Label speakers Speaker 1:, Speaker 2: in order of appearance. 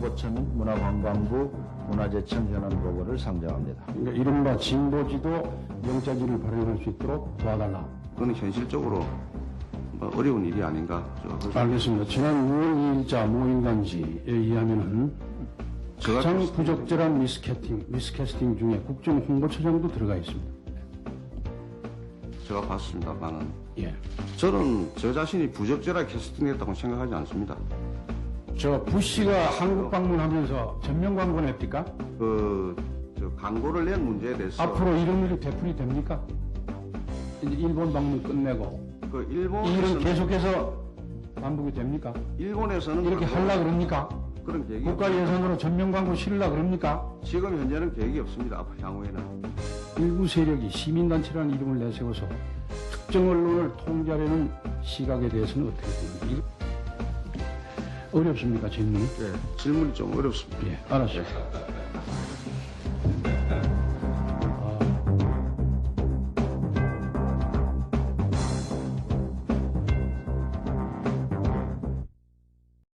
Speaker 1: 홍보처 및 문화관광부 문화재청 현안 보고를 상정합니다.
Speaker 2: 그러니까 이른바 진보지도 영자지를 발행할 수 있도록 도와달라.
Speaker 3: 그건 현실적으로 어려운 일이 아닌가.
Speaker 2: 알겠습니다. 지난 6월 2일자 모인간지에 의하면은 가장 부적절한 미스캐스팅 중에 국정홍보처장도 들어가 있습니다.
Speaker 3: 제가 봤습니다만은
Speaker 2: 예.
Speaker 3: 저는 저 자신이 부적절하게 캐스팅됐다고 생각하지 않습니다.
Speaker 2: 저 부시가 한국 방문하면서 전면 광고 냅니까?
Speaker 3: 저 광고를 낸 문제에 대해서
Speaker 2: 앞으로 이런 일이 되풀이 됩니까? 이제 일본 방문 끝내고
Speaker 3: 그
Speaker 2: 이 일은
Speaker 3: 일본에서는
Speaker 2: 계속해서 반복이 됩니까?
Speaker 3: 일본에서는
Speaker 2: 이렇게 하려 그럽니까?
Speaker 3: 그런 계획이
Speaker 2: 국가 예산으로 전면 광고 실으려 그럽니까?
Speaker 3: 지금 현재는 계획이 없습니다. 앞으로 향후에는.
Speaker 2: 일부 세력이 시민단체라는 이름을 내세워서 특정 언론을 통제하려는 시각에 대해서는 어떻게 보십니까? 어렵습니까, 질문이?
Speaker 3: 네, 질문이 좀 어렵습니다.
Speaker 2: 예, 알았어요.